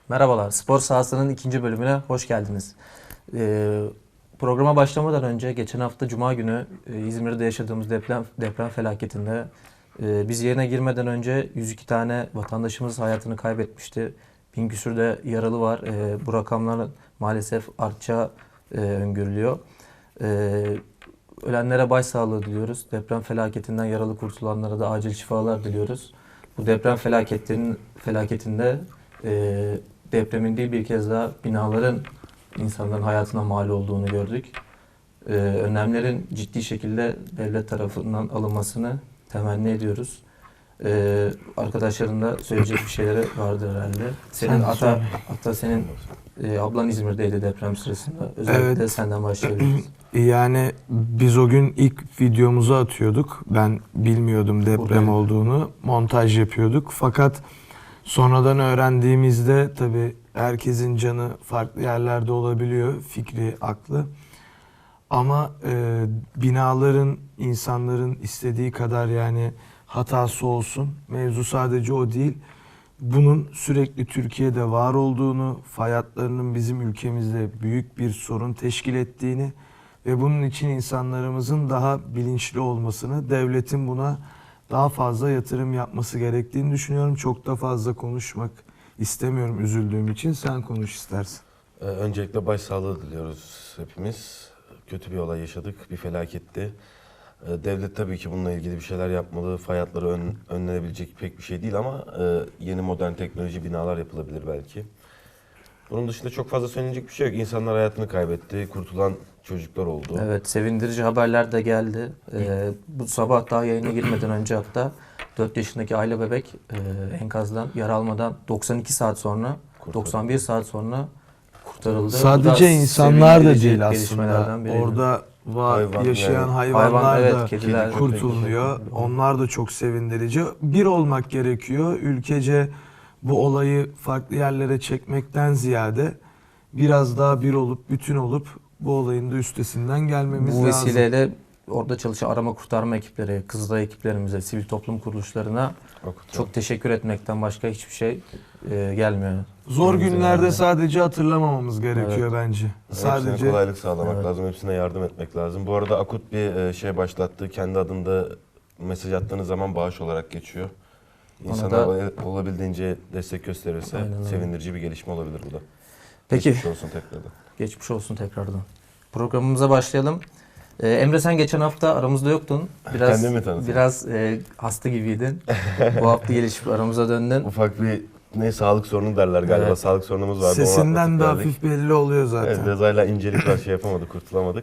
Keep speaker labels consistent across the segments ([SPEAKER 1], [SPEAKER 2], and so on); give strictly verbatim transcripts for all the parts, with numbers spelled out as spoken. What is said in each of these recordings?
[SPEAKER 1] Merhabalar, Spor Sahası'nın ikinci bölümüne hoş geldiniz. Ee, programa başlamadan önce geçen hafta Cuma günü e, İzmir'de yaşadığımız deprem deprem felaketinde e, biz yerine girmeden önce yüz iki tane vatandaşımız hayatını kaybetmişti. Bin küsür de yaralı var. E, bu rakamlar maalesef artacağı e, öngörülüyor. E, ölenlere başsağlığı diliyoruz. Deprem felaketinden yaralı kurtulanlara da acil şifalar diliyoruz. Bu deprem felaketlerinin felaketinde e, depremin değil bir kez daha binaların insanların hayatına mal olduğunu gördük. Ee, önlemlerin ciddi şekilde devlet tarafından alınmasını temenni ediyoruz. Ee, arkadaşların da söyleyecek bir şeyleri vardır herhalde. Senin hatta, hatta senin e, ablan İzmir'deydi deprem sırasında. Özellikle evet. Senden başlayabiliriz.
[SPEAKER 2] Yani biz o gün ilk videomuzu atıyorduk. Ben bilmiyordum deprem Buradayım. olduğunu. Montaj yapıyorduk. Fakat sonradan öğrendiğimizde tabii herkesin canı farklı yerlerde olabiliyor, fikri, aklı. Ama e, binaların, insanların istediği kadar yani hatası olsun. Mevzu sadece o değil. Bunun sürekli Türkiye'de var olduğunu, fay hatlarının bizim ülkemizde büyük bir sorun teşkil ettiğini ve bunun için insanlarımızın daha bilinçli olmasını, devletin buna daha fazla yatırım yapması gerektiğini düşünüyorum. Çok da fazla konuşmak istemiyorum üzüldüğüm için. Sen konuş istersen.
[SPEAKER 3] Ee, öncelikle başsağlığı diliyoruz hepimiz. Kötü bir olay yaşadık, bir felaketti. Ee, devlet tabii ki bununla ilgili bir şeyler yapmalı. Fay hatları ön, önlenebilecek pek bir şey değil ama e, yeni modern teknoloji binalar yapılabilir belki. Bunun dışında çok fazla söylenecek bir şey yok. İnsanlar hayatını kaybetti, kurtulan çocuklar oldu.
[SPEAKER 1] Evet, sevindirici haberler de geldi. Ee, bu sabah daha yayına girmeden önce hatta dört yaşındaki Ayla bebek e, enkazdan yara almadan doksan iki saat sonra, Kurtarıldı. doksan bir saat sonra kurtarıldı.
[SPEAKER 2] Sadece insanlar da değil aslında. Orada var, Hayvan, yaşayan yani. hayvanlar Hayvan, evet, da kediler, kurtuluyor. Köpek. Onlar da çok sevindirici. Bir olmak gerekiyor. Ülkece bu olayı farklı yerlere çekmekten ziyade biraz daha bir olup, bütün olup bu olayın da üstesinden gelmemiz lazım.
[SPEAKER 1] Bu vesileyle lazım. Orada çalışan arama kurtarma ekipleri, Kızılay ekiplerimize, sivil toplum kuruluşlarına Okutum. çok teşekkür etmekten başka hiçbir şey e, gelmiyor.
[SPEAKER 2] Zor günlerde yani. sadece hatırlamamamız gerekiyor evet. bence.
[SPEAKER 3] Sadece hepsine kolaylık sağlamak evet. lazım, hepsine yardım etmek lazım. Bu arada Akut bir şey başlattı. Kendi adında mesaj attığınız zaman bağış olarak geçiyor. İnsanlar da olabildiğince destek gösterirse Aynen sevindirici bir gelişme olabilir bu da.
[SPEAKER 1] Peki.
[SPEAKER 3] Geçmiş olsun tekrardan.
[SPEAKER 1] Geçmiş olsun tekrardan. Programımıza başlayalım. Ee, Emre sen geçen hafta aramızda yoktun. Biraz biraz e, hasta gibiydin. Bu hafta gelişip aramıza döndün.
[SPEAKER 3] Ufak bir ne sağlık sorunu derler galiba. Evet. Sağlık sorunumuz vardı.
[SPEAKER 2] Sesinden de hafif belli oluyor zaten.
[SPEAKER 3] Evet, biraz hala incelik var, şey yapamadık, kurtulamadık.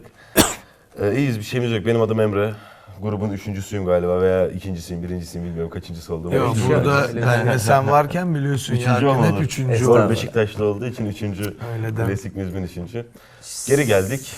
[SPEAKER 3] Ee, iyiyiz, bir şeyimiz yok. Benim adım Emre. Grubun üçüncüsüyüm galiba veya ikincisiyim, birincisiyim bilmiyorum kaçıncısı olduğumu.
[SPEAKER 2] Yok burada yani sen varken biliyorsun
[SPEAKER 3] üçüncü
[SPEAKER 2] ya hep üçüncü
[SPEAKER 3] Spor Beşiktaşlı olduğu için üçüncü. Klasik müzmin üçüncü. Geri geldik.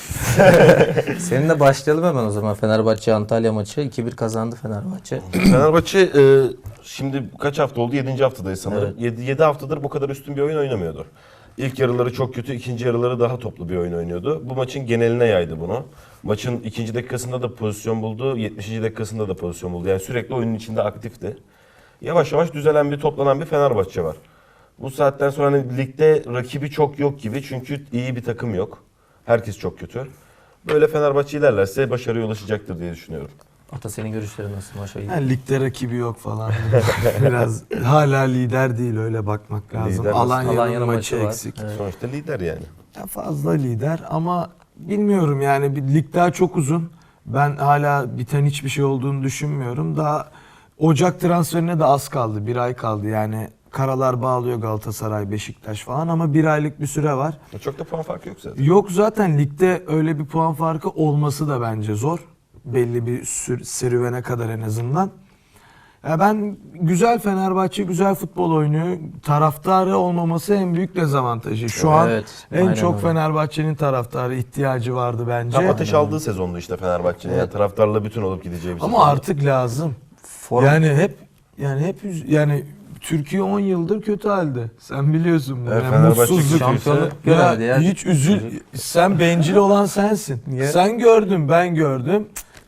[SPEAKER 1] Seninle başlayalım hemen o zaman. Fenerbahçe Antalya maçı iki bir kazandı Fenerbahçe.
[SPEAKER 3] Fenerbahçe e, şimdi kaç hafta oldu? yedinci haftadayız sanırım. Evet. yedi haftadır bu kadar üstün bir oyun oynamıyordu. İlk yarıları çok kötü, ikinci yarıları daha toplu bir oyun oynuyordu. Bu maçın geneline yaydı bunu. Maçın ikinci dakikasında da pozisyon buldu, yetmişinci dakikasında da pozisyon buldu. Yani sürekli oyunun içinde aktifti. Yavaş yavaş düzelen bir, toplanan bir Fenerbahçe var. Bu saatten sonra hani ligde rakibi çok yok gibi çünkü iyi bir takım yok. Herkes çok kötü. Böyle Fenerbahçe ilerlerse başarıya ulaşacaktır diye düşünüyorum.
[SPEAKER 1] Ata senin görüşlerin nasıl maça?
[SPEAKER 2] Yani ligde rakibi yok falan. Biraz hala lider değil öyle bakmak lazım.
[SPEAKER 3] Lider
[SPEAKER 2] Alanya'nın
[SPEAKER 1] Alanya
[SPEAKER 2] maçı
[SPEAKER 1] maçı
[SPEAKER 2] eksik.
[SPEAKER 3] Evet. Sonuçta lider yani.
[SPEAKER 2] Ya fazla lider ama bilmiyorum yani bir lig daha çok uzun. Ben hala biten hiçbir şey olduğunu düşünmüyorum. Daha Ocak transferine de az kaldı. Bir ay kaldı yani. Karalar bağlıyor Galatasaray, Beşiktaş falan ama bir aylık bir süre var.
[SPEAKER 3] Çok da puan farkı yok zaten.
[SPEAKER 2] Yok zaten ligde öyle bir puan farkı olması da bence zor. Belli bir serüvene kadar en azından. Ya ben güzel Fenerbahçe güzel futbol oynuyor. Taraftarı olmaması en büyük dezavantajı. Şu an evet, en çok öyle. Fenerbahçe'nin taraftarı ihtiyacı vardı bence.
[SPEAKER 3] Tam ateş aldığı sezondu işte Fenerbahçe'nin. Evet. Yani taraftarla bütün olup gideceği bir sezon.
[SPEAKER 2] Ama artık lazım. Form. Yani hep yani hep yani Türkiye on yıldır kötü halde. Sen biliyorsun bunu.
[SPEAKER 3] Evet,
[SPEAKER 2] yani mutsuzluk.
[SPEAKER 1] Şampiyonluk
[SPEAKER 2] ya, ya hiç üzül. Sen bencil olan sensin. Niye? Sen gördün, ben gördüm.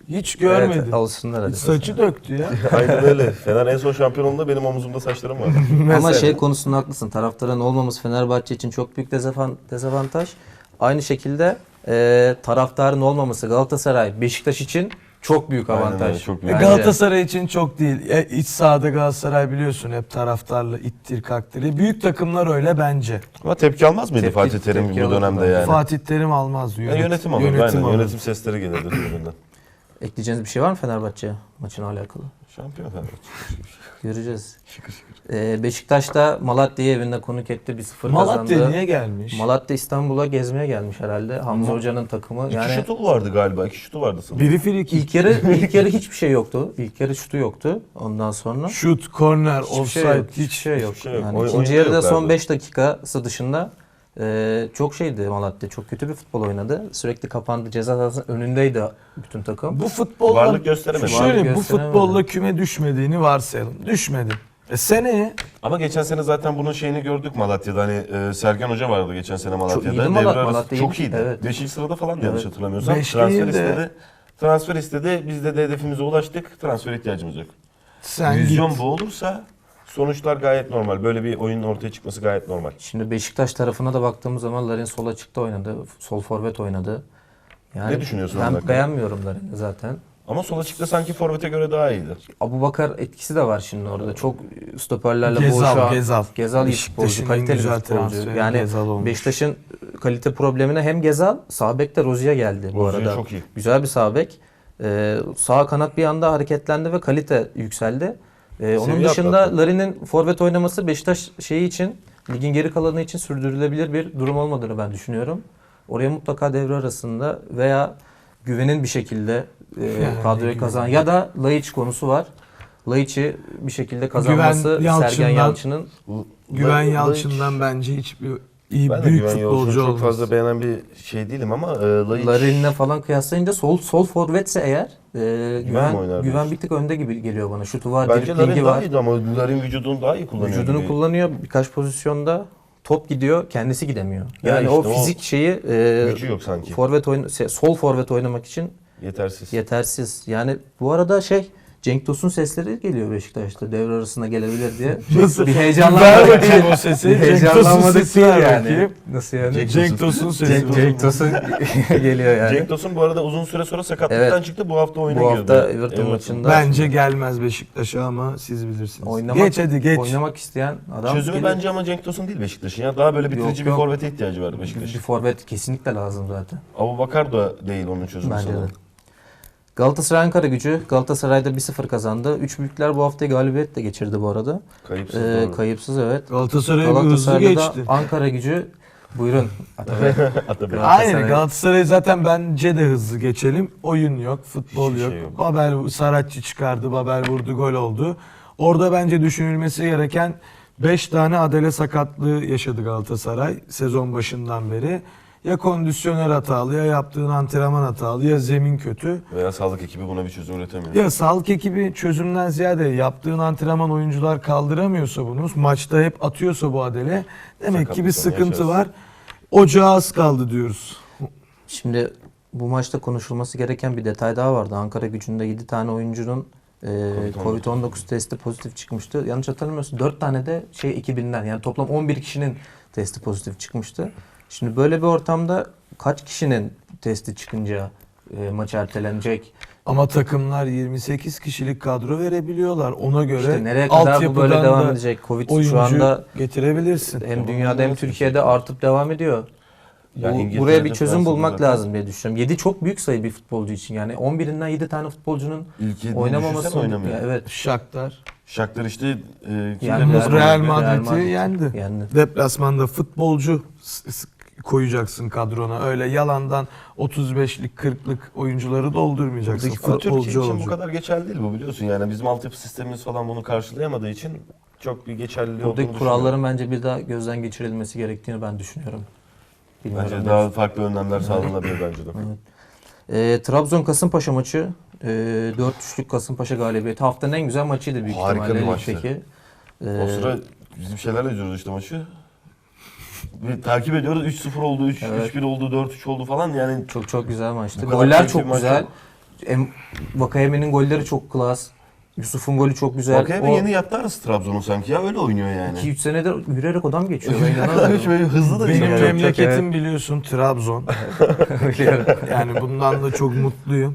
[SPEAKER 2] Hiç görmedim.
[SPEAKER 1] Evet, alışsınlar hadi.
[SPEAKER 2] Saçı döktü ya.
[SPEAKER 3] Aynen öyle. Fener en son şampiyon olduğunda benim omuzumda saçlarım vardı.
[SPEAKER 1] Ama
[SPEAKER 2] Mesela.
[SPEAKER 1] şey konusunda haklısın. Taraftarın olmaması Fenerbahçe için çok büyük dezavan- dezavantaj. Aynı şekilde e, taraftarın olmaması Galatasaray, Beşiktaş için çok büyük
[SPEAKER 3] Aynen
[SPEAKER 1] avantaj.
[SPEAKER 3] öyle, çok
[SPEAKER 2] E,
[SPEAKER 3] büyük.
[SPEAKER 1] Bence.
[SPEAKER 2] Galatasaray için çok değil. E, iç sahada Galatasaray biliyorsun hep taraftarla ittir kaktır. Büyük takımlar öyle bence.
[SPEAKER 3] Ama tepki almaz mıydı
[SPEAKER 1] Tepki-
[SPEAKER 3] Fatih Terim
[SPEAKER 1] tepki
[SPEAKER 3] bu
[SPEAKER 1] alırdı
[SPEAKER 3] dönemde
[SPEAKER 1] bence.
[SPEAKER 3] yani?
[SPEAKER 2] Fatih Terim almaz.
[SPEAKER 3] Ya
[SPEAKER 2] Yönet,
[SPEAKER 3] yönetim alır.
[SPEAKER 2] yönetim
[SPEAKER 3] Aynen.
[SPEAKER 2] alır.
[SPEAKER 3] Yönetim sesleri gelirdi tribünden.
[SPEAKER 1] Ekleyeceğiniz bir şey var mı Fenerbahçe maçına alakalı?
[SPEAKER 3] Şampiyon Fenerbahçe.
[SPEAKER 1] Göreceğiz.
[SPEAKER 3] Şıkır şıkır.
[SPEAKER 1] Ee, Beşiktaş da Malatya'yı evinde konuk etti. bir sıfır kazandı.
[SPEAKER 2] Malatya niye gelmiş?
[SPEAKER 1] Malatya İstanbul'a gezmeye gelmiş herhalde. Hamza Hoca'nın takımı.
[SPEAKER 3] İki
[SPEAKER 1] Yani
[SPEAKER 3] şutu vardı galiba. İki şutu vardı sanırım.
[SPEAKER 2] Biri frikik.
[SPEAKER 1] ilk yarı ilk yarı hiçbir şey yoktu. İlk yarı şutu yoktu. Ondan sonra
[SPEAKER 2] Şut, korner,
[SPEAKER 1] hiçbir
[SPEAKER 2] offside
[SPEAKER 1] şey yok.
[SPEAKER 2] hiç.
[SPEAKER 1] Hiçbir şey yok.
[SPEAKER 3] hiçbir şey yok.
[SPEAKER 1] Yani
[SPEAKER 3] Oy-
[SPEAKER 1] ikinci
[SPEAKER 3] oyunda
[SPEAKER 1] yarıda son
[SPEAKER 3] yoklardı.
[SPEAKER 1] beş dakikası dışında e, çok şeydi Malatya. Çok kötü bir futbol oynadı. Sürekli kapandı. Ceza sahasının önündeydi bütün takım.
[SPEAKER 2] Bu futbolla
[SPEAKER 3] Varlık gösteremedi.
[SPEAKER 2] Şöyle
[SPEAKER 1] Varlık
[SPEAKER 2] bu
[SPEAKER 1] gösteremedi.
[SPEAKER 2] futbolla küme düşmediğini varsayalım. Düşmedi. E seneye
[SPEAKER 3] Ama geçen sene zaten bunun şeyini gördük Malatya'da. Hani e, Sergen Hoca vardı geçen sene Malatya'da.
[SPEAKER 1] iyiydi
[SPEAKER 3] Devre
[SPEAKER 1] Malat-
[SPEAKER 3] arası
[SPEAKER 1] Malatya
[SPEAKER 3] çok
[SPEAKER 1] iyiydi.
[SPEAKER 3] iyiydi.
[SPEAKER 1] Evet.
[SPEAKER 3] Beşinci sırada falan yanlış
[SPEAKER 1] Evet.
[SPEAKER 3] hatırlamıyorsam.
[SPEAKER 2] Beş
[SPEAKER 3] Transfer
[SPEAKER 2] değil de-
[SPEAKER 3] istedi. Transfer istedi. Biz de, de hedefimize ulaştık. Transfer ihtiyacımız yok.
[SPEAKER 2] sen
[SPEAKER 3] Vizyon
[SPEAKER 2] git.
[SPEAKER 3] bu olursa sonuçlar gayet normal. Böyle bir oyunun ortaya çıkması gayet normal.
[SPEAKER 1] Şimdi Beşiktaş tarafına da baktığımız zaman Larin sol açıkta oynadı. Sol forvet oynadı. Yani
[SPEAKER 3] Ne düşünüyorsun onun
[SPEAKER 1] Ben
[SPEAKER 3] hakkında?
[SPEAKER 1] beğenmiyorum Larin'i zaten.
[SPEAKER 3] Ama sol açıkta sanki forvete göre daha iyiydi.
[SPEAKER 1] Abubakar etkisi de var şimdi orada. Çok stoperlerle
[SPEAKER 2] Gezal,
[SPEAKER 1] boğuşan.
[SPEAKER 2] Gezal.
[SPEAKER 1] Gezal iyi
[SPEAKER 2] Beşiktaş'ın
[SPEAKER 1] futbolcu,
[SPEAKER 2] en
[SPEAKER 1] kaliteli bir
[SPEAKER 2] güzel
[SPEAKER 1] futbolcu.
[SPEAKER 2] transferi
[SPEAKER 1] Yani
[SPEAKER 2] Gezal olmuş.
[SPEAKER 1] Beşiktaş'ın kalite problemine hem Gezal, sağ bek de Rozier geldi bu
[SPEAKER 3] Rozier
[SPEAKER 1] arada.
[SPEAKER 3] çok iyi.
[SPEAKER 1] Güzel bir sağ bek. Ee, sağ kanat bir anda hareketlendi ve kalite yükseldi. Ee, onun
[SPEAKER 3] Seviye
[SPEAKER 1] dışında
[SPEAKER 3] atlattı.
[SPEAKER 1] Larin'in forvet oynaması Beşiktaş şeyi için, ligin geri kalanı için sürdürülebilir bir durum olmadığını ben düşünüyorum. Oraya mutlaka devre arasında veya güvenin bir şekilde e,
[SPEAKER 2] Yani
[SPEAKER 1] kadroyu
[SPEAKER 2] güven.
[SPEAKER 1] kazan ya da Laiç konusu var. Laiç'i bir şekilde kazanması
[SPEAKER 2] Güven
[SPEAKER 1] Sergen
[SPEAKER 2] Yalçın'dan-
[SPEAKER 1] Yalçın'ın
[SPEAKER 2] Güven
[SPEAKER 3] Ben-
[SPEAKER 2] Yalçın'dan bence hiçbir iyi
[SPEAKER 3] Ben de
[SPEAKER 2] büyük
[SPEAKER 3] Güven Yalçın'ı
[SPEAKER 2] futbolcu
[SPEAKER 3] çok
[SPEAKER 2] olmaz.
[SPEAKER 3] fazla beğenen bir şey değilim ama e, Laiç...
[SPEAKER 1] Larin'le falan kıyaslayınca sol sol forvetse eğer e,
[SPEAKER 3] mi
[SPEAKER 1] güven
[SPEAKER 3] oynar
[SPEAKER 1] güven
[SPEAKER 3] diyorsun?
[SPEAKER 1] bir tık önde gibi geliyor bana. Şutu var,
[SPEAKER 3] Bence
[SPEAKER 1] driblingi
[SPEAKER 3] Larin
[SPEAKER 1] var.
[SPEAKER 3] daha iyiydi ama Larin vücudunu daha iyi kullanıyor.
[SPEAKER 1] Vücudunu
[SPEAKER 3] gibi.
[SPEAKER 1] kullanıyor. Birkaç pozisyonda top gidiyor, kendisi gidemiyor.
[SPEAKER 3] Ya
[SPEAKER 1] Yani
[SPEAKER 3] işte
[SPEAKER 1] o
[SPEAKER 3] o
[SPEAKER 1] fizik şeyi e,
[SPEAKER 3] Gücü yok sanki.
[SPEAKER 1] forvet oyun se- sol forvet oynamak için
[SPEAKER 3] Yetersiz.
[SPEAKER 1] yetersiz. Yani bu arada şey Cenk Tosun sesleri geliyor Beşiktaş'ta devre arasına gelebilir diye.
[SPEAKER 2] Nasıl?
[SPEAKER 1] Bir
[SPEAKER 2] Ver
[SPEAKER 1] heyecanlanmadık.
[SPEAKER 2] bakayım o sesi.
[SPEAKER 1] Bir
[SPEAKER 2] Cenk Tosun
[SPEAKER 1] heyecanlanmadık
[SPEAKER 2] sesi
[SPEAKER 1] değil
[SPEAKER 2] ver
[SPEAKER 1] yani.
[SPEAKER 2] bakayım.
[SPEAKER 1] Nasıl yani?
[SPEAKER 3] Cenk
[SPEAKER 2] Cenk Tosun sesi.
[SPEAKER 1] Cenk, Cenk Tosun geliyor yani.
[SPEAKER 3] Cenk Tosun bu arada uzun süre sonra sakatlıktan
[SPEAKER 1] Evet.
[SPEAKER 3] çıktı. Bu hafta oyuna
[SPEAKER 1] Bu
[SPEAKER 3] girdi.
[SPEAKER 1] hafta Everton maçında
[SPEAKER 2] Bence gelmez Beşiktaş'a ama siz bilirsiniz.
[SPEAKER 1] oynamak,
[SPEAKER 2] geç hadi geç.
[SPEAKER 1] oynamak isteyen adam
[SPEAKER 3] Çözümü
[SPEAKER 1] gelir.
[SPEAKER 3] bence ama Cenk Tosun değil Beşiktaş'ın ya. Daha böyle bitirici
[SPEAKER 1] Yok,
[SPEAKER 3] bir
[SPEAKER 1] yok.
[SPEAKER 3] forvete ihtiyacı var
[SPEAKER 1] bir,
[SPEAKER 3] Beşiktaş'ın.
[SPEAKER 1] bir forvet kesinlikle lazım zaten.
[SPEAKER 3] Abubakar da değil onun çözümü
[SPEAKER 1] Bence de.
[SPEAKER 3] sanırım.
[SPEAKER 1] Galatasaray Ankara gücü Galatasaray'da bir sıfır kazandı. Üç büyükler bu haftayı galibiyetle geçirdi bu arada.
[SPEAKER 3] Kayıpsız
[SPEAKER 1] Ee,
[SPEAKER 3] doğru.
[SPEAKER 1] kayıpsız evet.
[SPEAKER 2] Galatasaray'a bir hızlı
[SPEAKER 1] Galatasaray'da da
[SPEAKER 2] geçti.
[SPEAKER 1] Ankara gücü buyurun. Atabey.
[SPEAKER 3] Atabey.
[SPEAKER 1] Galatasaray-
[SPEAKER 2] Aynen Galatasaray zaten bence de hızlı geçelim. Oyun yok, futbol
[SPEAKER 3] Hiçbir
[SPEAKER 2] yok.
[SPEAKER 3] şey yok.
[SPEAKER 2] Babel Saratçı çıkardı, Babel vurdu, gol oldu. Orada bence düşünülmesi gereken beş tane adele sakatlığı yaşadı Galatasaray sezon başından beri. Ya kondisyoner hatalı, ya yaptığın antrenman hatalı, ya zemin kötü.
[SPEAKER 3] Veya sağlık ekibi buna bir çözüm üretemiyor.
[SPEAKER 2] Ya sağlık ekibi çözümden ziyade yaptığın antrenman oyuncular kaldıramıyorsa bunu, maçta hep atıyorsa bu adele demek ki bir
[SPEAKER 3] Sakatlıktan
[SPEAKER 2] sıkıntı
[SPEAKER 3] yaşarız.
[SPEAKER 2] var. Ocağa az kaldı diyoruz.
[SPEAKER 1] Şimdi bu maçta konuşulması gereken bir detay daha vardı. Ankara gücünde yedi tane oyuncunun e, covid on dokuz testi pozitif çıkmıştı. Yanlış hatırlamıyorsam dört tane de şey ekibinden yani toplam on bir kişinin testi pozitif çıkmıştı. Şimdi böyle bir ortamda kaç kişinin testi çıkınca e, maç ertelenecek?
[SPEAKER 2] Ama takımlar yirmi sekiz kişilik kadro verebiliyorlar. Ona göre
[SPEAKER 1] İşte nereye kadar bu böyle
[SPEAKER 2] altyapıdan
[SPEAKER 1] devam
[SPEAKER 2] da
[SPEAKER 1] edecek? Covid
[SPEAKER 2] oyuncu
[SPEAKER 1] şu anda
[SPEAKER 2] getirebilirsin.
[SPEAKER 1] hem dünyada hem Türkiye'de artıp devam ediyor.
[SPEAKER 3] Ya
[SPEAKER 1] Bu,
[SPEAKER 3] İngiltere'de,
[SPEAKER 1] buraya bir çözüm
[SPEAKER 3] Fransa'da
[SPEAKER 1] bulmak
[SPEAKER 3] zaten
[SPEAKER 1] lazım diye düşünüyorum. yedi çok büyük sayı bir futbolcu için. Yani on birinden yedi tane futbolcunun
[SPEAKER 3] İlk yediğini
[SPEAKER 1] oynamaması
[SPEAKER 3] düşünsene oynamıyor.
[SPEAKER 1] Ya evet.
[SPEAKER 2] Shakhtar
[SPEAKER 3] Shakhtar işte e, kimle
[SPEAKER 1] Yani
[SPEAKER 3] beraber-
[SPEAKER 2] Real
[SPEAKER 1] Madrid-
[SPEAKER 2] Madrid'i
[SPEAKER 1] Madrid
[SPEAKER 2] yendi.
[SPEAKER 1] yendi.
[SPEAKER 2] Deplasmanda futbolcu s- s- koyacaksın kadrona. Öyle yalandan otuz beşlik kırklık oyuncuları doldurmayacaksın.
[SPEAKER 1] Buradaki
[SPEAKER 3] Ama Türkiye
[SPEAKER 2] Futbolcu
[SPEAKER 3] için bu
[SPEAKER 2] olacak.
[SPEAKER 3] kadar geçerli değil bu biliyorsun. Yani bizim altyapı sistemimiz falan bunu karşılayamadığı için çok bir geçerliliği olduğunu
[SPEAKER 1] Buradaki kuralların bence bir daha gözden geçirilmesi gerektiğini ben düşünüyorum. Bilmiyorum.
[SPEAKER 3] Bence daha farklı önlemler sağlanabilir bence de.
[SPEAKER 1] Ee, Trabzon Kasımpaşa maçı e, dört üçlük Kasımpaşa galibiyeti. Haftanın en güzel maçıydı büyük
[SPEAKER 3] Harika
[SPEAKER 1] ihtimalle.
[SPEAKER 3] bir maçtı.
[SPEAKER 1] ligdeki.
[SPEAKER 3] O
[SPEAKER 1] Ee,
[SPEAKER 3] sıra bizim şeylerle izliyoruz işte maçı. Bir takip ediyoruz. üç sıfır oldu, üç
[SPEAKER 1] Evet.
[SPEAKER 3] üç bir oldu, dört üç oldu falan yani.
[SPEAKER 1] çok çok güzel maçtı.
[SPEAKER 3] Bu kadar
[SPEAKER 1] Goller
[SPEAKER 3] keyifli
[SPEAKER 1] çok
[SPEAKER 3] bir maç
[SPEAKER 1] güzel.
[SPEAKER 3] yok.
[SPEAKER 1] Em- Vakayeme'nin golleri çok klas. Yusuf'un golü çok güzel.
[SPEAKER 3] Vakayeme
[SPEAKER 1] O
[SPEAKER 3] yeni yattı arası Trabzon'un sanki ya öyle oynuyor yani.
[SPEAKER 1] iki üç senedir yürüyerek adam geçiyor. Ben inanamıyorum.
[SPEAKER 3] Şöyle hızlı da
[SPEAKER 2] Benim
[SPEAKER 3] değil.
[SPEAKER 1] çok-
[SPEAKER 2] memleketim
[SPEAKER 1] evet.
[SPEAKER 2] biliyorsun Trabzon.
[SPEAKER 1] Biliyorum.
[SPEAKER 2] Yani bundan da çok mutluyum.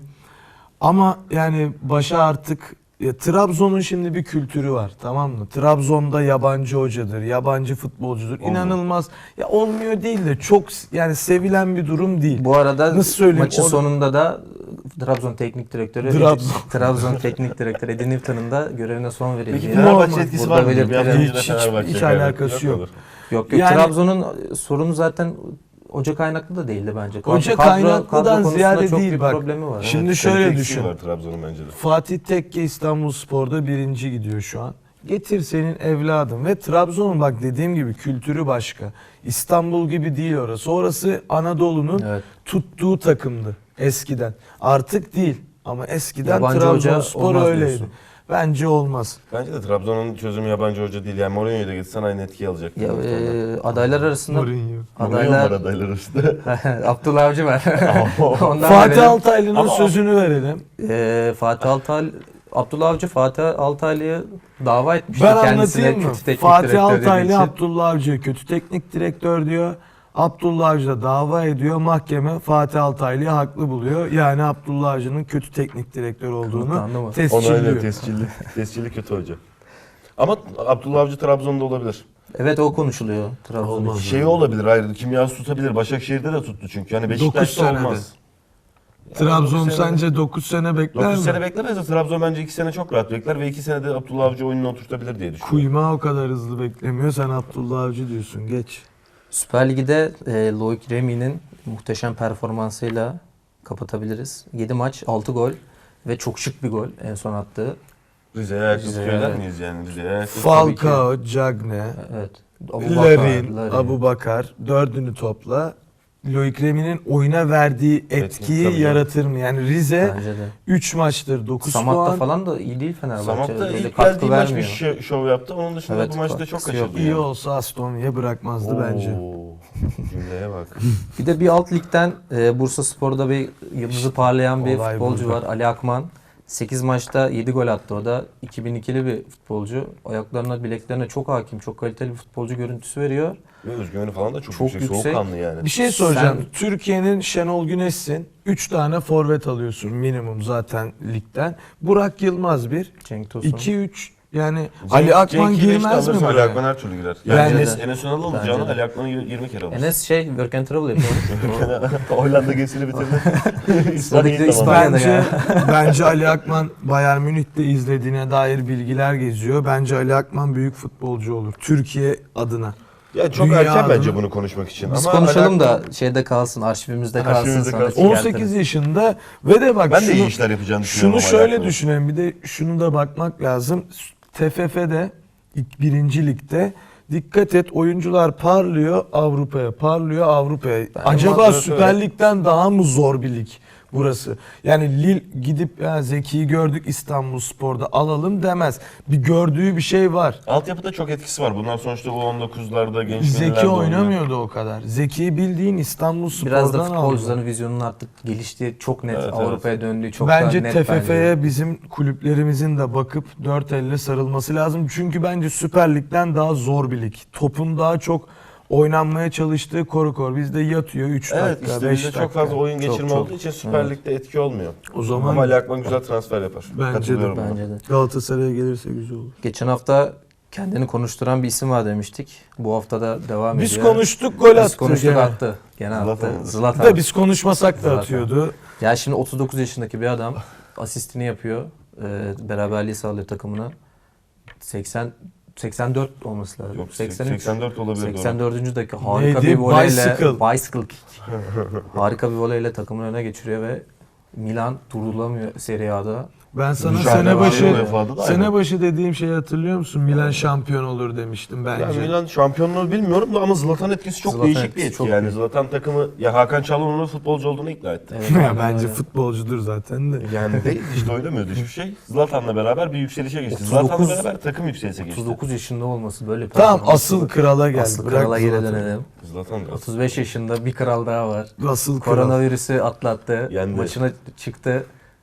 [SPEAKER 2] Ama yani başa artık ya, Trabzon'un şimdi bir kültürü var, tamam mı? Trabzon'da yabancı hocadır, yabancı futbolcudur.
[SPEAKER 3] Olmuyor.
[SPEAKER 2] İnanılmaz. Ya olmuyor değil de çok yani sevilen bir durum değil.
[SPEAKER 1] Bu arada
[SPEAKER 2] Nasıl söyleyeyim?
[SPEAKER 1] maçın
[SPEAKER 2] O-
[SPEAKER 1] sonunda da Trabzon Teknik Direktörü
[SPEAKER 2] Trabzon.
[SPEAKER 1] Trabzon Teknik Direktörü Edin Newton'un da görevine son verildi.
[SPEAKER 3] Peki
[SPEAKER 1] Yani
[SPEAKER 3] Fenerbahçe
[SPEAKER 2] Normal.
[SPEAKER 3] etkisi
[SPEAKER 1] Burada
[SPEAKER 3] var mı? Bir hafta
[SPEAKER 1] belirtilen-
[SPEAKER 3] önce de
[SPEAKER 2] Hiç- hiç-
[SPEAKER 3] Fenerbahçe
[SPEAKER 2] hiç
[SPEAKER 3] kaybetti.
[SPEAKER 2] alakası yok.
[SPEAKER 3] mudur?
[SPEAKER 1] Yok yok,
[SPEAKER 2] Yani-
[SPEAKER 1] Trabzon'un sorunu zaten hoca kaynaklı da değildi bence. Kadro-
[SPEAKER 2] Hoca
[SPEAKER 1] kadro-
[SPEAKER 2] kaynaklıdan
[SPEAKER 1] kadro konusunda
[SPEAKER 2] ziyade
[SPEAKER 1] çok
[SPEAKER 2] değil
[SPEAKER 1] büyük
[SPEAKER 2] bak.
[SPEAKER 1] problemi var.
[SPEAKER 2] Şimdi
[SPEAKER 3] Evet,
[SPEAKER 2] şöyle
[SPEAKER 3] kalite
[SPEAKER 2] düşün.
[SPEAKER 3] eksiği var Trabzon'un bence de.
[SPEAKER 2] Fatih Tekke İstanbulspor'da birinci gidiyor şu an. Getir senin evladın ve Trabzon'un bak dediğim gibi kültürü başka. İstanbul gibi değil orası. Orası Anadolu'nun
[SPEAKER 1] Evet.
[SPEAKER 2] tuttuğu takımdı eskiden. Artık değil ama eskiden
[SPEAKER 1] Yabancı hoca
[SPEAKER 2] Trabzonspor
[SPEAKER 1] olmaz
[SPEAKER 2] öyleydi.
[SPEAKER 1] diyorsun.
[SPEAKER 2] Bence olmaz.
[SPEAKER 3] Bence de Trabzon'un çözümü yabancı hoca değil. Yani Mourinho'yu da gitsen aynı etkiyi alacak.
[SPEAKER 1] Ya, e, adaylar arasında
[SPEAKER 2] Mourinho.
[SPEAKER 3] Mourinho var
[SPEAKER 1] adaylar
[SPEAKER 3] adaylar arasında.
[SPEAKER 1] Abdullah Avcı var. Ondan
[SPEAKER 2] Fatih
[SPEAKER 1] verelim.
[SPEAKER 2] Altaylı'nın
[SPEAKER 3] Ama-
[SPEAKER 2] sözünü verelim.
[SPEAKER 1] E, Fatih Altaylı Abdullah Avcı Fatih Altaylı'ya dava etmişti
[SPEAKER 2] Ben
[SPEAKER 1] kendisine
[SPEAKER 2] anlatayım mı?
[SPEAKER 1] kötü teknik
[SPEAKER 2] Fatih
[SPEAKER 1] direktör dediği
[SPEAKER 2] Altaylı
[SPEAKER 1] için.
[SPEAKER 2] Abdullah Avcı'ya kötü teknik direktör diyor. Abdullah Avcı da dava ediyor. Mahkeme Fatih Altaylı'yı haklı buluyor. Yani Abdullah Avcı'nın kötü teknik direktör olduğunu
[SPEAKER 1] Kanıtlandı mı?
[SPEAKER 2] tescilliyor.
[SPEAKER 3] Onayla tescilli. Tescilli kötü hoca. Ama Abdullah Avcı Trabzon'da olabilir.
[SPEAKER 1] Evet, o konuşuluyor Trabzon'da.
[SPEAKER 2] Olmaz.
[SPEAKER 3] Şey olabilir hayır. Kimyası tutabilir. Başakşehir'de de tuttu çünkü. Yani Beşiktaş'ta
[SPEAKER 2] senede.
[SPEAKER 3] olmaz.
[SPEAKER 2] Trabzon
[SPEAKER 3] dokuz sene-
[SPEAKER 2] sence dokuz sene bekler
[SPEAKER 3] dokuz
[SPEAKER 2] mi?
[SPEAKER 3] sene beklemez de Trabzon bence iki sene çok rahat bekler ve iki senede Abdullah Avcı oyununu oturtabilir diye düşünüyorum.
[SPEAKER 2] Kuyma o kadar hızlı beklemiyor. Sen Abdullah Avcı diyorsun. Geç.
[SPEAKER 1] Süper Lig'de e, Loic Remy'nin muhteşem performansıyla kapatabiliriz. yedi maç, altı gol ve çok şık bir gol en son attığı.
[SPEAKER 3] Rize'ye ayaksız
[SPEAKER 1] Rize'ye,
[SPEAKER 3] köyler
[SPEAKER 1] evet.
[SPEAKER 3] miyiz yani? Rize'ye ayaksız tabii ki.
[SPEAKER 2] Falcao, Cagne,
[SPEAKER 1] Evet. Abubakar,
[SPEAKER 2] Larin,
[SPEAKER 1] Larin.
[SPEAKER 2] Abu Bakar dördünü topla. Loic Remy'nin oyuna verdiği
[SPEAKER 3] Etki,
[SPEAKER 2] etkiyi
[SPEAKER 3] tabii
[SPEAKER 2] yaratır mı? Yani Rize
[SPEAKER 1] Bence de.
[SPEAKER 2] üç maçtır dokuz
[SPEAKER 1] Samat'ta
[SPEAKER 2] puan.
[SPEAKER 1] falan da iyi değil Fenerbahçe.
[SPEAKER 3] Samat'ta
[SPEAKER 1] Öyle
[SPEAKER 3] ilk
[SPEAKER 1] katkı
[SPEAKER 3] geldiği maç bir
[SPEAKER 1] vermiyor.
[SPEAKER 3] şö- şov yaptı. Onun dışında
[SPEAKER 1] Evet,
[SPEAKER 3] bu maçta çok
[SPEAKER 1] katkısı yok.
[SPEAKER 3] kaçırdı.
[SPEAKER 2] İyi
[SPEAKER 3] yani.
[SPEAKER 2] olsa Aston Villa bırakmazdı bence.
[SPEAKER 3] Oo, cümleye bak.
[SPEAKER 1] Bir de bir alt ligden e, Bursaspor'da bir yıldızı parlayan bir
[SPEAKER 2] olay
[SPEAKER 1] futbolcu
[SPEAKER 2] burada.
[SPEAKER 1] var. Ali Akman. sekiz maçta yedi gol attı o da. iki bin ikili bir futbolcu. Ayaklarına, bileklerine çok hakim, çok kaliteli bir futbolcu görüntüsü veriyor.
[SPEAKER 3] Ve özgüveni falan da çok,
[SPEAKER 1] Çok
[SPEAKER 3] yüksek.
[SPEAKER 1] yüksek.
[SPEAKER 3] Soğukkanlı yani.
[SPEAKER 2] Bir şey soracağım.
[SPEAKER 1] Sen-
[SPEAKER 2] Türkiye'nin Şenol Güneş'sin. üç tane forvet alıyorsun minimum zaten ligden. Burak Yılmaz bir.
[SPEAKER 1] Cenk Tosun.
[SPEAKER 2] iki üç yani
[SPEAKER 3] Cenk-
[SPEAKER 2] Ali Akman
[SPEAKER 3] Cenk'i beşte
[SPEAKER 2] girmez mi
[SPEAKER 3] alırsa Ali
[SPEAKER 2] buraya?
[SPEAKER 3] Akman her türlü girer. Yani
[SPEAKER 2] Bence
[SPEAKER 3] Enes,
[SPEAKER 1] de.
[SPEAKER 3] Enes Önal
[SPEAKER 1] Bence
[SPEAKER 3] alacağını
[SPEAKER 1] de.
[SPEAKER 3] Ali Akman'ı yirmi kere alır.
[SPEAKER 1] Enes şey work and travel yapıyor.
[SPEAKER 3] Hollanda gezisini bitirdi.
[SPEAKER 1] Sıradaki de
[SPEAKER 3] İspanya'yı
[SPEAKER 1] İspanya.
[SPEAKER 3] tamamladı.
[SPEAKER 1] İspanya'da
[SPEAKER 2] Bence bence Ali Akman Bayern Münih'te izlediğine dair bilgiler geziyor. Bence Ali Akman büyük futbolcu olur Türkiye adına.
[SPEAKER 3] Ya çok
[SPEAKER 2] Dünya
[SPEAKER 3] erken bence
[SPEAKER 2] adına-
[SPEAKER 3] bunu konuşmak için.
[SPEAKER 1] Biz
[SPEAKER 3] Ama
[SPEAKER 1] konuşalım
[SPEAKER 3] Ali
[SPEAKER 1] da
[SPEAKER 3] Akman-
[SPEAKER 1] şeyde kalsın, arşivimizde kalsın.
[SPEAKER 3] Arşivimizde
[SPEAKER 1] sonra
[SPEAKER 3] kalsın.
[SPEAKER 1] çıkartırız.
[SPEAKER 2] on sekiz yaşında ve de bak
[SPEAKER 3] ben de iyi
[SPEAKER 2] şunu,
[SPEAKER 3] işler yapacağını düşünüyorum.
[SPEAKER 2] şunu
[SPEAKER 3] ama Ali
[SPEAKER 2] şöyle
[SPEAKER 3] Akman'ın.
[SPEAKER 2] düşünelim. Bir de şunu da bakmak lazım. T F F'de ilk birinci ligde dikkat et oyuncular parlıyor Avrupa'ya, parlıyor Avrupa'ya. Acaba
[SPEAKER 3] mantığı
[SPEAKER 2] Süper
[SPEAKER 3] öyle.
[SPEAKER 2] Lig'den daha mı zor bir lig burası? Yani Lille gidip ya Zeki'yi gördük İstanbulspor'da alalım demez. Bir gördüğü bir şey var.
[SPEAKER 3] Altyapıda çok etkisi var. Bunlar sonuçta bu on dokuzlarda genç
[SPEAKER 2] Zeki
[SPEAKER 3] millerde oynuyor.
[SPEAKER 2] oynamıyordu o kadar. Zeki bildiğin İstanbulspor'dan
[SPEAKER 1] Biraz da
[SPEAKER 2] aldı.
[SPEAKER 1] futbolcuların vizyonunun artık geliştiği, çok net
[SPEAKER 3] Evet,
[SPEAKER 1] Avrupa'ya döndüğü, çok
[SPEAKER 2] Bence
[SPEAKER 1] daha net
[SPEAKER 2] T F
[SPEAKER 1] bence.
[SPEAKER 2] F'ye bizim kulüplerimizin de bakıp dört elle sarılması lazım. Çünkü bence Süper Lig'den daha zor bir lig. Topun daha çok oynanmaya çalıştığı koru kor. Bizde yatıyor üç
[SPEAKER 3] Evet
[SPEAKER 2] dakika,
[SPEAKER 3] işte
[SPEAKER 2] beş
[SPEAKER 3] bizde
[SPEAKER 2] dakika.
[SPEAKER 3] çok fazla oyun
[SPEAKER 1] Çok,
[SPEAKER 3] geçirme
[SPEAKER 1] çok.
[SPEAKER 3] olduğu için Süper
[SPEAKER 1] Evet.
[SPEAKER 3] Lig'de etki olmuyor.
[SPEAKER 2] O zaman
[SPEAKER 3] Ama Ali Akman güzel transfer yapar.
[SPEAKER 2] Bence de,
[SPEAKER 3] Katılıyorum buna.
[SPEAKER 1] Bence de.
[SPEAKER 2] Galatasaray'a gelirse güzel olur.
[SPEAKER 1] Geçen hafta kendini konuşturan bir isim var demiştik. Bu hafta da devam
[SPEAKER 2] Biz
[SPEAKER 1] ediyor.
[SPEAKER 2] konuştuk gol attı.
[SPEAKER 1] Biz konuştuk
[SPEAKER 2] gene.
[SPEAKER 1] attı. Gene
[SPEAKER 3] Zlatan.
[SPEAKER 1] attı. Zlatan.
[SPEAKER 2] Da biz konuşmasak da
[SPEAKER 1] Zlatan.
[SPEAKER 2] atıyordu.
[SPEAKER 1] Ya şimdi otuz dokuz yaşındaki bir adam asistini yapıyor. Ee, beraberliği sağlıyor takımına. seksen seksen dört olması lazım.
[SPEAKER 3] Yok,
[SPEAKER 1] seksen üç.
[SPEAKER 3] seksen dört olabilir.
[SPEAKER 1] seksen dördüncü dakika harika
[SPEAKER 2] Neydi?
[SPEAKER 1] bir voleyle
[SPEAKER 2] Bicycle.
[SPEAKER 1] bicycle kick. Harika bir voleyle takımın öne geçiriyor ve Milan durulamıyor Serie A'da.
[SPEAKER 2] Ben sana
[SPEAKER 3] Mücadele
[SPEAKER 2] sene
[SPEAKER 3] var,
[SPEAKER 2] başı
[SPEAKER 3] UEFA'da da
[SPEAKER 2] sene
[SPEAKER 3] aynı.
[SPEAKER 2] başı dediğim şeyi hatırlıyor musun? Milan şampiyon olur demiştim
[SPEAKER 3] Ya
[SPEAKER 2] bence.
[SPEAKER 3] Milan şampiyonluğu bilmiyorum da ama Zlatan etkisi çok
[SPEAKER 1] Zlatan
[SPEAKER 3] değişik bir
[SPEAKER 1] etkisi
[SPEAKER 3] etki
[SPEAKER 1] çok
[SPEAKER 3] yani.
[SPEAKER 1] büyük.
[SPEAKER 3] Zlatan takımı ya Hakan Çalhanoğlu'nun futbolcu olduğunu ikna etti.
[SPEAKER 1] Evet,
[SPEAKER 2] Ya
[SPEAKER 1] aynen
[SPEAKER 2] bence
[SPEAKER 1] öyle.
[SPEAKER 2] futbolcudur zaten de.
[SPEAKER 3] Yani değil işte öyle mi hiçbir şey. Zlatan'la beraber bir yükselişe geçti.
[SPEAKER 1] otuz
[SPEAKER 3] Zlatan'la
[SPEAKER 1] dokuz
[SPEAKER 3] beraber takım yükselişe geçti.
[SPEAKER 1] otuz dokuz yaşında olması böyle bir
[SPEAKER 2] Tamam
[SPEAKER 1] performans.
[SPEAKER 2] asıl krala gel.
[SPEAKER 1] Asıl
[SPEAKER 2] Bırak
[SPEAKER 1] krala geri
[SPEAKER 2] Zlatan'ı.
[SPEAKER 1] dönelim.
[SPEAKER 3] Zlatan
[SPEAKER 1] otuz beş yaşında bir kral daha var.
[SPEAKER 2] Asıl kral.
[SPEAKER 1] Koronavirüsü atlattı.
[SPEAKER 3] Yendi.
[SPEAKER 1] Maçına çıktı.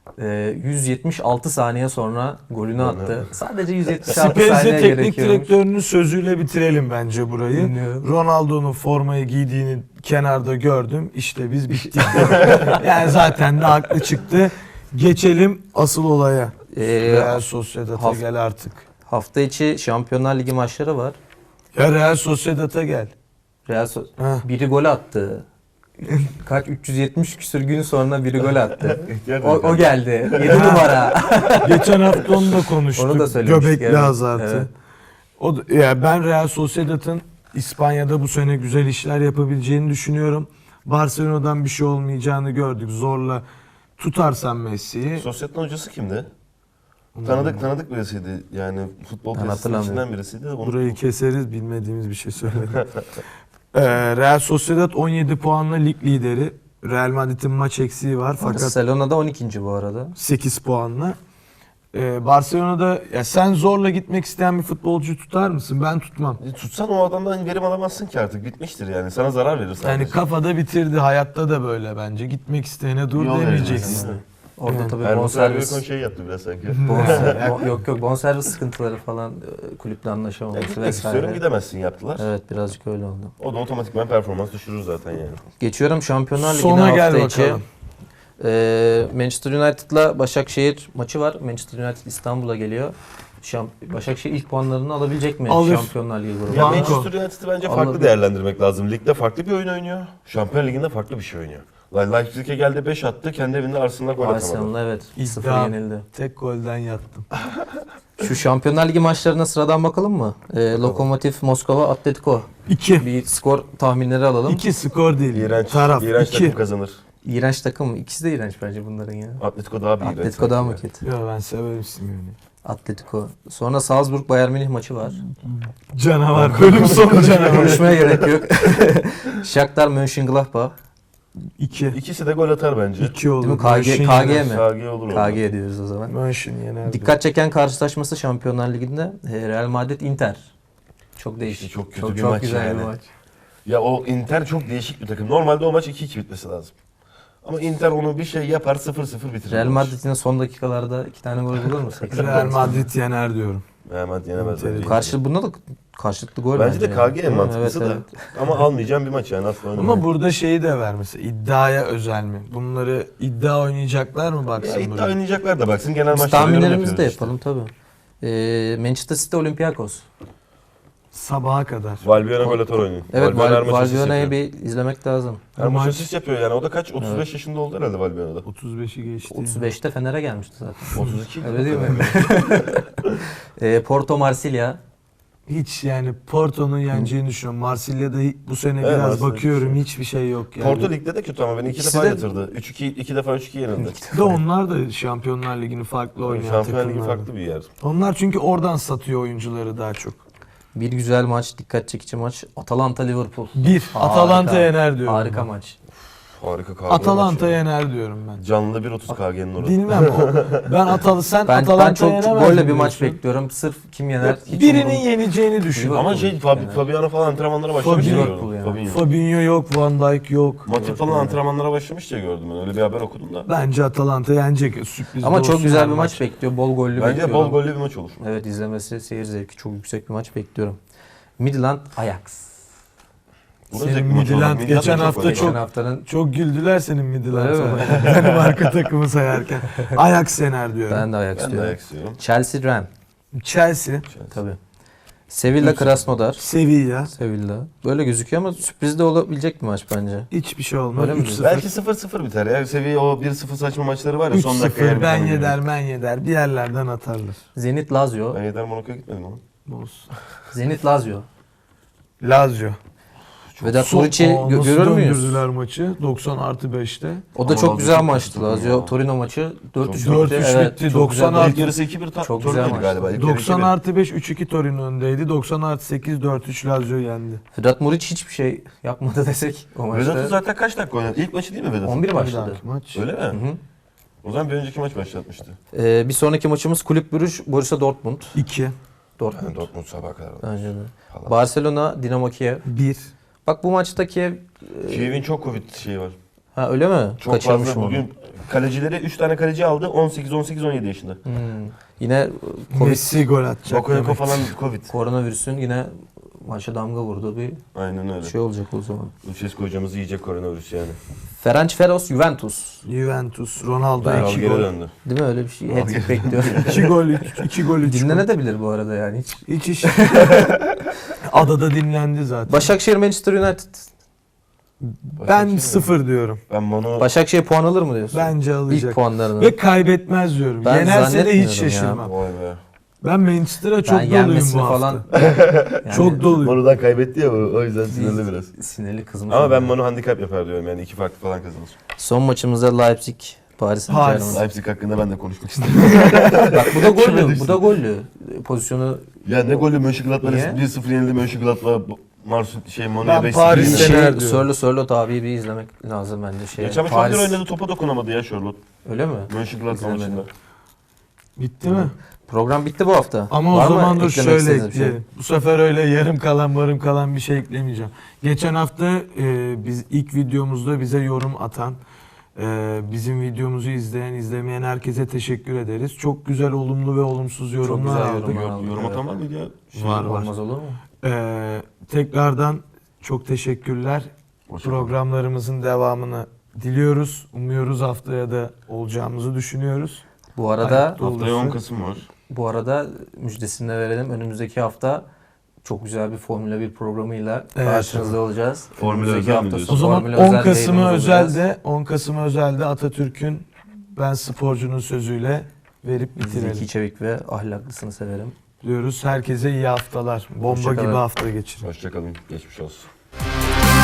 [SPEAKER 1] Ee, yüz yetmiş altı saniye sonra golünü attı. Sadece yüz yetmiş altı
[SPEAKER 2] Spezia
[SPEAKER 1] saniye
[SPEAKER 2] teknik
[SPEAKER 1] gerekiyormuş.
[SPEAKER 2] direktörünün sözüyle bitirelim bence burayı.
[SPEAKER 1] Dinliyorum.
[SPEAKER 2] Ronaldo'nun formayı giydiğini kenarda gördüm. İşte biz bittik. Yani zaten de haklı çıktı. Geçelim asıl olaya.
[SPEAKER 1] Ee,
[SPEAKER 2] Real Sociedad'a
[SPEAKER 1] haf-
[SPEAKER 2] gel artık.
[SPEAKER 1] Hafta içi Şampiyonlar Ligi maçları var.
[SPEAKER 2] Ya Real Sociedad'a gel.
[SPEAKER 1] Real So-
[SPEAKER 2] Heh.
[SPEAKER 1] biri gol attı. Kaç üç yüz yetmiş küsür gün sonra biri gol attı. o, o geldi. yedi numara.
[SPEAKER 2] Geçen hafta onu da konuştuk.
[SPEAKER 1] Onu da söylemiştik,
[SPEAKER 2] Göbekli
[SPEAKER 1] evet.
[SPEAKER 2] Hazard'ı.
[SPEAKER 1] Evet.
[SPEAKER 2] O da- ya ben Real Sociedad'ın İspanya'da bu sene güzel işler yapabileceğini düşünüyorum. Barcelona'dan bir şey olmayacağını gördük. Zorla tutarsan Messi'yi.
[SPEAKER 3] Sosyet'in hocası kimdi? Tanıdık tanıdık birisiydi. Yani futbol
[SPEAKER 1] Ben
[SPEAKER 3] tesisinden
[SPEAKER 1] hatırlamıyorum.
[SPEAKER 3] birisiydi. Onu...
[SPEAKER 2] Burayı keseriz, bilmediğimiz bir şey söyledim. Ee, Real Sociedad on yedi puanla lig lideri. Real Madrid'in maç eksiği var fakat
[SPEAKER 1] Barcelona'da on ikinci bu arada.
[SPEAKER 2] sekiz puanla. Ee, Barcelona'da ya sen zorla gitmek isteyen bir futbolcu tutar mısın? Ben tutmam.
[SPEAKER 3] E, Tutsan o adamdan verim alamazsın ki artık. Bitmiştir yani. Sana zarar verir sadece.
[SPEAKER 2] Yani kafada bitirdi. Hayatta da böyle bence. Gitmek isteyene dur
[SPEAKER 3] Yol
[SPEAKER 2] demeyeceksin.
[SPEAKER 3] vereceksin.
[SPEAKER 1] Orada
[SPEAKER 2] Evet.
[SPEAKER 1] tabii
[SPEAKER 3] Erman
[SPEAKER 1] bonservis,
[SPEAKER 3] Servis şey yaptı biraz sanki.
[SPEAKER 1] bonservis bo- yok yok bonservis sıkıntıları falan, e, kulüple
[SPEAKER 3] Ya
[SPEAKER 1] anlaşamaması
[SPEAKER 3] gitmek istiyorum
[SPEAKER 1] vesaire.
[SPEAKER 3] gidemezsin yaptılar.
[SPEAKER 1] Evet, birazcık öyle oldu.
[SPEAKER 3] O da otomatikman performans düşürür zaten yani.
[SPEAKER 1] Geçiyorum Şampiyonlar Ligi'ne
[SPEAKER 2] Sona
[SPEAKER 1] hafta
[SPEAKER 2] gel
[SPEAKER 1] içi.
[SPEAKER 2] bakalım.
[SPEAKER 1] Ee, Manchester United'la Başakşehir maçı var. Manchester United İstanbul'a geliyor. Şamp- Başakşehir ilk puanlarını alabilecek mi
[SPEAKER 2] Alır.
[SPEAKER 1] Şampiyonlar Ligi grubunda?
[SPEAKER 3] Ya
[SPEAKER 2] Banko.
[SPEAKER 3] Manchester United'ı bence farklı
[SPEAKER 1] Anladım.
[SPEAKER 3] değerlendirmek lazım. Ligde farklı bir oyun oynuyor. Şampiyon Ligi'nde farklı bir şey oynuyor. Leipzig'e geldi beş attı. Kendi evinde Arsenal'a gol atamadı.
[SPEAKER 1] Arsenal'la evet sıfır
[SPEAKER 2] İddia.
[SPEAKER 1] yenildi.
[SPEAKER 2] Tek golden yattım.
[SPEAKER 1] Şu Şampiyonlar Ligi maçlarına sıradan bakalım mı? Ee, Lokomotiv Moskova Atletico.
[SPEAKER 2] İki.
[SPEAKER 1] Bir skor tahminleri alalım.
[SPEAKER 2] İki skor değil.
[SPEAKER 3] İğrenç,
[SPEAKER 2] Taraf.
[SPEAKER 3] iğrenç
[SPEAKER 2] iki.
[SPEAKER 3] takım kazanır.
[SPEAKER 1] İğrenç takım. İkisi de iğrenç bence bunların ya.
[SPEAKER 3] Atletico daha bir iğrenç.
[SPEAKER 1] Atletico daha mı
[SPEAKER 3] sanki.
[SPEAKER 1] kötü?
[SPEAKER 2] Ya ben severim Simeone'yi.
[SPEAKER 1] Atletico. Sonra Salzburg Bayern Münih maçı var.
[SPEAKER 2] Canavar. Bölüm sonu canavar.
[SPEAKER 1] Konuşmaya gerek yok. Shakhtar Mönchengladbach.
[SPEAKER 2] İki.
[SPEAKER 3] İkisi de gol atar bence.
[SPEAKER 2] İki olur.
[SPEAKER 1] Değil mi? K G,
[SPEAKER 2] Mönchen
[SPEAKER 1] K G
[SPEAKER 2] yener.
[SPEAKER 1] mi?
[SPEAKER 3] K G olur orada.
[SPEAKER 1] K G diyoruz o zaman.
[SPEAKER 2] Mönchen yener.
[SPEAKER 1] Dikkat çeken karşılaşması Şampiyonlar Ligi'nde e, Real Madrid Inter. Çok değişik.
[SPEAKER 3] İşte çok kötü
[SPEAKER 1] çok,
[SPEAKER 3] bir
[SPEAKER 1] çok
[SPEAKER 3] maç
[SPEAKER 1] güzel
[SPEAKER 3] yani.
[SPEAKER 1] bir maç.
[SPEAKER 3] Ya o Inter çok değişik bir takım. Normalde o maç iki iki bitmesi lazım. Ama Inter onu bir şey yapar sıfır sıfır bitirir.
[SPEAKER 1] Real
[SPEAKER 3] o maç.
[SPEAKER 1] Madrid yine son dakikalarda iki tane gol bulur mu? seksen
[SPEAKER 2] Real Madrid yener diyorum.
[SPEAKER 3] Real Madrid yenemez
[SPEAKER 2] Inter-
[SPEAKER 3] bence.
[SPEAKER 1] Karşı bunda da karşılıklı gol
[SPEAKER 3] Bence de K G en
[SPEAKER 1] yani.
[SPEAKER 3] mantıklısı
[SPEAKER 1] Evet,
[SPEAKER 3] da.
[SPEAKER 1] evet.
[SPEAKER 3] Ama almayacağım bir maç yani asla oynamam.
[SPEAKER 2] Ama burada şeyi de ver mesela. İddiaya özel mi? Bunları iddia oynayacaklar mı
[SPEAKER 3] Ya
[SPEAKER 2] baksın
[SPEAKER 3] iddia
[SPEAKER 2] buraya?
[SPEAKER 3] oynayacaklar da baksın genel
[SPEAKER 1] Biz
[SPEAKER 3] maçları yorum
[SPEAKER 1] tahminlerimizi de
[SPEAKER 3] yapıyoruz işte.
[SPEAKER 1] yapalım tabii. Ee, Manchester City Olympiakos.
[SPEAKER 2] Sabaha kadar.
[SPEAKER 3] Valbuena gol atar oynuyor.
[SPEAKER 1] Evet,
[SPEAKER 3] Valbuena her
[SPEAKER 1] Val-
[SPEAKER 3] maç asist
[SPEAKER 1] Valbuena'yı
[SPEAKER 3] yapıyor.
[SPEAKER 1] bir izlemek lazım.
[SPEAKER 3] Her maç
[SPEAKER 2] Maç-
[SPEAKER 3] asist yapıyor yani. O da kaç? otuz beş yaşında oldu herhalde Valbuena'da.
[SPEAKER 2] otuz beşi geçti.
[SPEAKER 1] otuz beşte Fener'e gelmişti zaten.
[SPEAKER 3] otuz iki.
[SPEAKER 1] Öyle değil mi? Ee, Porto Marsilya.
[SPEAKER 2] Hiç yani Porto'nun yeneceğini düşünüyorum. Marsilya'da bu sene
[SPEAKER 3] Evet,
[SPEAKER 2] biraz
[SPEAKER 3] Marsilya
[SPEAKER 2] bakıyorum hiçbir şey yok yani.
[SPEAKER 3] Porto Lig'de de kötü ama beni iki
[SPEAKER 1] İkisi
[SPEAKER 3] defa
[SPEAKER 1] de-
[SPEAKER 3] yatırdı. üç iki, iki defa üç iki yenildi.
[SPEAKER 2] Bir de onlar da Şampiyonlar Ligi'ni farklı oynayan
[SPEAKER 3] Şampiyonlar Ligi
[SPEAKER 2] takımlar.
[SPEAKER 3] farklı bir yer.
[SPEAKER 2] Onlar çünkü oradan satıyor oyuncuları daha çok.
[SPEAKER 1] Bir güzel maç, dikkat çekici maç. Atalanta Liverpool.
[SPEAKER 2] Bir.
[SPEAKER 1] Harika.
[SPEAKER 2] Atalanta yener diyorum.
[SPEAKER 1] Harika
[SPEAKER 2] ben.
[SPEAKER 1] maç.
[SPEAKER 3] Harika K G
[SPEAKER 2] Atalanta
[SPEAKER 3] maçı.
[SPEAKER 2] yener diyorum ben.
[SPEAKER 3] Canlı bir otuz K G'nin orası.
[SPEAKER 2] Bilmem o. Ben Atalı sen
[SPEAKER 1] Ben,
[SPEAKER 2] Atalanta
[SPEAKER 1] ben çok
[SPEAKER 2] yenemez
[SPEAKER 1] golle
[SPEAKER 2] mi
[SPEAKER 1] bir maç
[SPEAKER 2] diyorsun?
[SPEAKER 1] bekliyorum. Sırf kim yener hiç
[SPEAKER 2] Birinin
[SPEAKER 1] umurumda-
[SPEAKER 2] yeneceğini düşün.
[SPEAKER 1] Liverpool.
[SPEAKER 3] Ama şey Fab-
[SPEAKER 1] Yani.
[SPEAKER 3] Fabiano falan antrenmanlara başlamış diye
[SPEAKER 1] Liverpool
[SPEAKER 3] gördüm.
[SPEAKER 1] yani.
[SPEAKER 3] Fabinho.
[SPEAKER 2] Fabinho yok, Van Dijk yok.
[SPEAKER 3] Matip falan antrenmanlara başlamış diye gördüm ben. Öyle bir haber okudum da.
[SPEAKER 2] Bence Atalanta yenecek. Sürpriz
[SPEAKER 1] Ama
[SPEAKER 2] de
[SPEAKER 1] çok
[SPEAKER 2] olsun
[SPEAKER 1] güzel
[SPEAKER 2] yani
[SPEAKER 1] bir maç bekliyor. Bol gollü
[SPEAKER 3] Bence
[SPEAKER 1] bekliyorum.
[SPEAKER 3] bol gollü bir maç olur.
[SPEAKER 1] Evet, izlemesi, seyir zevki çok yüksek bir maç bekliyorum. Midland Ajax.
[SPEAKER 3] Bu da
[SPEAKER 2] Senin
[SPEAKER 3] zevkli maç olur.
[SPEAKER 2] Midland
[SPEAKER 3] Midland
[SPEAKER 2] geçen
[SPEAKER 3] da
[SPEAKER 2] hafta
[SPEAKER 3] gol
[SPEAKER 1] Geçen
[SPEAKER 2] çok-
[SPEAKER 1] haftanın
[SPEAKER 2] Çok güldüler senin Midland
[SPEAKER 1] Öyle mi?
[SPEAKER 2] sana. Benim arka takımı sayarken. Ajax yener diyorum.
[SPEAKER 1] ben de Ajax
[SPEAKER 3] Ben de
[SPEAKER 1] diyorum.
[SPEAKER 3] ayak istiyorum.
[SPEAKER 1] Chelsea Ren.
[SPEAKER 2] Chelsea,
[SPEAKER 1] Tabii. Sevilla Krasnodar.
[SPEAKER 2] Sevilla.
[SPEAKER 1] Sevilla. Böyle gözüküyor ama sürpriz de olabilecek bir maç bence.
[SPEAKER 2] Hiçbir şey olmaz.
[SPEAKER 1] Öyle mi
[SPEAKER 2] üç
[SPEAKER 1] diyorsun?
[SPEAKER 2] sıfır.
[SPEAKER 3] Belki sıfır sıfır biter ya. Seviye o bir sıfır saçma maçları var ya.
[SPEAKER 2] üç
[SPEAKER 3] Son dakika yer
[SPEAKER 2] sıfır
[SPEAKER 3] bir
[SPEAKER 2] ben
[SPEAKER 3] tane
[SPEAKER 2] yeder
[SPEAKER 3] yiyor.
[SPEAKER 2] ben yeder. Bir yerlerden atarlar.
[SPEAKER 1] Zenit Lazio.
[SPEAKER 3] Ben Yeder Monaco'ya gitmedim ama.
[SPEAKER 2] Olsun.
[SPEAKER 1] Zenit Lazio.
[SPEAKER 2] Lazio.
[SPEAKER 1] Vedat
[SPEAKER 2] Son-
[SPEAKER 1] Muriç'i
[SPEAKER 2] Aa,
[SPEAKER 1] gö-
[SPEAKER 2] nasıl
[SPEAKER 1] görür müyüz?
[SPEAKER 2] döndürdüler maçı? doksan artı beşte.
[SPEAKER 1] O da
[SPEAKER 3] Ama
[SPEAKER 1] çok
[SPEAKER 3] Lazio
[SPEAKER 1] güzel
[SPEAKER 3] çok
[SPEAKER 1] maçtı
[SPEAKER 3] kötü
[SPEAKER 1] Lazio.
[SPEAKER 3] ya.
[SPEAKER 1] Torino maçı dört üç
[SPEAKER 2] dört
[SPEAKER 1] bitti.
[SPEAKER 2] üç
[SPEAKER 1] Evet,
[SPEAKER 2] bitti.
[SPEAKER 1] çok
[SPEAKER 2] doksan
[SPEAKER 1] güzel.
[SPEAKER 2] artı-
[SPEAKER 3] İlk yarısı iki bir ta-
[SPEAKER 1] Çok
[SPEAKER 3] Torino'ydu
[SPEAKER 1] güzel
[SPEAKER 3] galiba. İlk yarı
[SPEAKER 2] doksan
[SPEAKER 3] iki bir.
[SPEAKER 2] artı beş üç iki Torino öndeydi. doksan artı sekiz dört üç Lazio yendi.
[SPEAKER 1] Vedat Muriç hiçbir şey yapmadı desek o maçta.
[SPEAKER 3] Vedat'ın zaten kaç dakika oynadı? İlk maçı değil mi Vedat'ın?
[SPEAKER 1] on bir
[SPEAKER 2] Bir
[SPEAKER 1] başladı.
[SPEAKER 2] dahaki maç.
[SPEAKER 3] Öyle mi?
[SPEAKER 1] Hı hı.
[SPEAKER 3] O zaman bir önceki maç başlatmıştı.
[SPEAKER 1] Ee, bir sonraki maçımız Kulüp Brugge Borussia Dortmund.
[SPEAKER 2] iki.
[SPEAKER 1] Dortmund.
[SPEAKER 3] Yani Dortmund sabaha kadar.
[SPEAKER 1] Bence de.
[SPEAKER 3] Falan.
[SPEAKER 1] Barcelona Dinamo Kiev.
[SPEAKER 2] bir.
[SPEAKER 1] Bak bu maçta Kiev e,
[SPEAKER 3] Kiev'in çok Covid şeyi var.
[SPEAKER 1] Ha öyle mi?
[SPEAKER 3] Çok
[SPEAKER 1] Kaçırmışım
[SPEAKER 3] fazla
[SPEAKER 1] onu.
[SPEAKER 3] bugün kalecileri üç tane kaleci aldı. on sekiz, on sekiz, on yedi yaşında.
[SPEAKER 1] Hmm. Yine Covid,
[SPEAKER 2] Messi gol atacak.
[SPEAKER 3] Bakayoko
[SPEAKER 2] demek.
[SPEAKER 3] falan Covid.
[SPEAKER 1] koronavirüsün yine maça damga vurduğu bir
[SPEAKER 3] Aynen öyle.
[SPEAKER 1] şey olacak o zaman.
[SPEAKER 3] Lucescu hocamız yiyecek koronavirüs yani.
[SPEAKER 1] Ferencvaros Juventus.
[SPEAKER 2] Juventus, Ronaldo
[SPEAKER 3] Kral
[SPEAKER 2] iki
[SPEAKER 3] geri
[SPEAKER 2] gol.
[SPEAKER 3] döndü.
[SPEAKER 1] Değil mi? Öyle bir şey. Hat-trick bekliyor.
[SPEAKER 2] iki gol, iki gol, üç gol.
[SPEAKER 1] Dinlenebilir bu arada yani hiç.
[SPEAKER 2] Hiç iş. Adada dinlendi zaten.
[SPEAKER 1] Başakşehir Manchester United.
[SPEAKER 2] Ben sıfır diyorum.
[SPEAKER 3] Ben Mono
[SPEAKER 1] Başakşehir puan alır mı diyorsun?
[SPEAKER 2] Bence alacak.
[SPEAKER 1] İlk puanlarını.
[SPEAKER 2] Ve kaybetmez diyorum.
[SPEAKER 1] Ben
[SPEAKER 2] Yenerse de
[SPEAKER 1] zannetmiyorum
[SPEAKER 2] hiç
[SPEAKER 1] ya.
[SPEAKER 2] şaşırmam.
[SPEAKER 3] vay be.
[SPEAKER 2] Ben Manchester'a çok
[SPEAKER 1] ben
[SPEAKER 2] doluyum
[SPEAKER 1] yenmesini
[SPEAKER 2] bu hafta.
[SPEAKER 1] falan. Yani
[SPEAKER 2] Çok doluyum.
[SPEAKER 3] Mono'dan kaybetti ya o yüzden sinirli biraz.
[SPEAKER 1] Sinirli kızmış.
[SPEAKER 3] Ama ben
[SPEAKER 1] oldu.
[SPEAKER 3] Mono handikap yapar diyorum yani iki farklı falan kazanır.
[SPEAKER 1] Son maçımızda Leipzig Paris Saint
[SPEAKER 2] Paris.
[SPEAKER 1] Germain.
[SPEAKER 3] Leipzig hakkında ben de konuşmak istedim.
[SPEAKER 1] Bak bu da gollü.
[SPEAKER 3] Kime
[SPEAKER 1] Bu da gollü. Pozisyonu
[SPEAKER 3] ya ne golü Mönchengladbach'la
[SPEAKER 1] Niye?
[SPEAKER 3] bir sıfır yenildi Mönchengladbach Marsu şey Mono'ya
[SPEAKER 2] Ben
[SPEAKER 3] beş
[SPEAKER 2] Paris'te
[SPEAKER 3] sıfır
[SPEAKER 2] Fener
[SPEAKER 3] yenildi.
[SPEAKER 2] diyorum.
[SPEAKER 1] Sörlü Sörlot abiyi bir izlemek lazım bence. Şey,
[SPEAKER 3] Geçen maç
[SPEAKER 1] Paris.
[SPEAKER 3] Paris oynadı topa dokunamadı ya Charlotte.
[SPEAKER 1] Öyle mi?
[SPEAKER 3] Mönchengladbach
[SPEAKER 1] İzlemedim.
[SPEAKER 3] maçında.
[SPEAKER 2] Bitti mi?
[SPEAKER 1] Program bitti bu hafta.
[SPEAKER 2] Ama
[SPEAKER 1] Var
[SPEAKER 2] o
[SPEAKER 1] mı
[SPEAKER 2] zaman dur
[SPEAKER 1] eklemek
[SPEAKER 2] şöyle
[SPEAKER 1] istediğiniz bir şey?
[SPEAKER 2] ekleyelim. Bu sefer öyle yarım kalan varım kalan bir şey eklemeyeceğim. Geçen hafta e, biz ilk videomuzda bize yorum atan, e, bizim videomuzu izleyen, izlemeyen herkese teşekkür ederiz. Çok güzel olumlu ve olumsuz yorumlar
[SPEAKER 1] güzel
[SPEAKER 2] aldık.
[SPEAKER 1] yorumlar.
[SPEAKER 3] Yorum, yorum atan var mıydı ya? Şey,
[SPEAKER 2] Var var.
[SPEAKER 1] Olmaz olur mu?
[SPEAKER 2] E, tekrardan çok teşekkürler.
[SPEAKER 3] Hoşça kalın.
[SPEAKER 2] Programlarımızın devamını diliyoruz. Umuyoruz haftaya da olacağımızı düşünüyoruz.
[SPEAKER 1] Bu arada
[SPEAKER 2] Ayakta
[SPEAKER 3] Haftaya on
[SPEAKER 2] olursa-
[SPEAKER 3] Kasım var.
[SPEAKER 1] bu arada müjdesini de verelim. Önümüzdeki hafta çok güzel bir Formula bir programıyla
[SPEAKER 2] Evet.
[SPEAKER 1] karşınızda olacağız.
[SPEAKER 3] Formula
[SPEAKER 1] Önümüzdeki
[SPEAKER 3] özel mi
[SPEAKER 1] hafta
[SPEAKER 3] diyorsun?
[SPEAKER 2] O zaman
[SPEAKER 1] Formula
[SPEAKER 2] on
[SPEAKER 1] özel
[SPEAKER 2] Kasım'ı
[SPEAKER 1] yayınımız olacağız.
[SPEAKER 2] özelde on Kasım'ı özelde Atatürk'ün ben sporcunun sözüyle verip
[SPEAKER 1] Zeki
[SPEAKER 2] bitirelim
[SPEAKER 1] Çevik ve ahlaklısını severim.
[SPEAKER 2] diyoruz. Herkese iyi haftalar. Bomba
[SPEAKER 1] Hoşça
[SPEAKER 2] gibi
[SPEAKER 1] kalın.
[SPEAKER 2] hafta geçirin.
[SPEAKER 3] Hoşçakalın. Geçmiş olsun.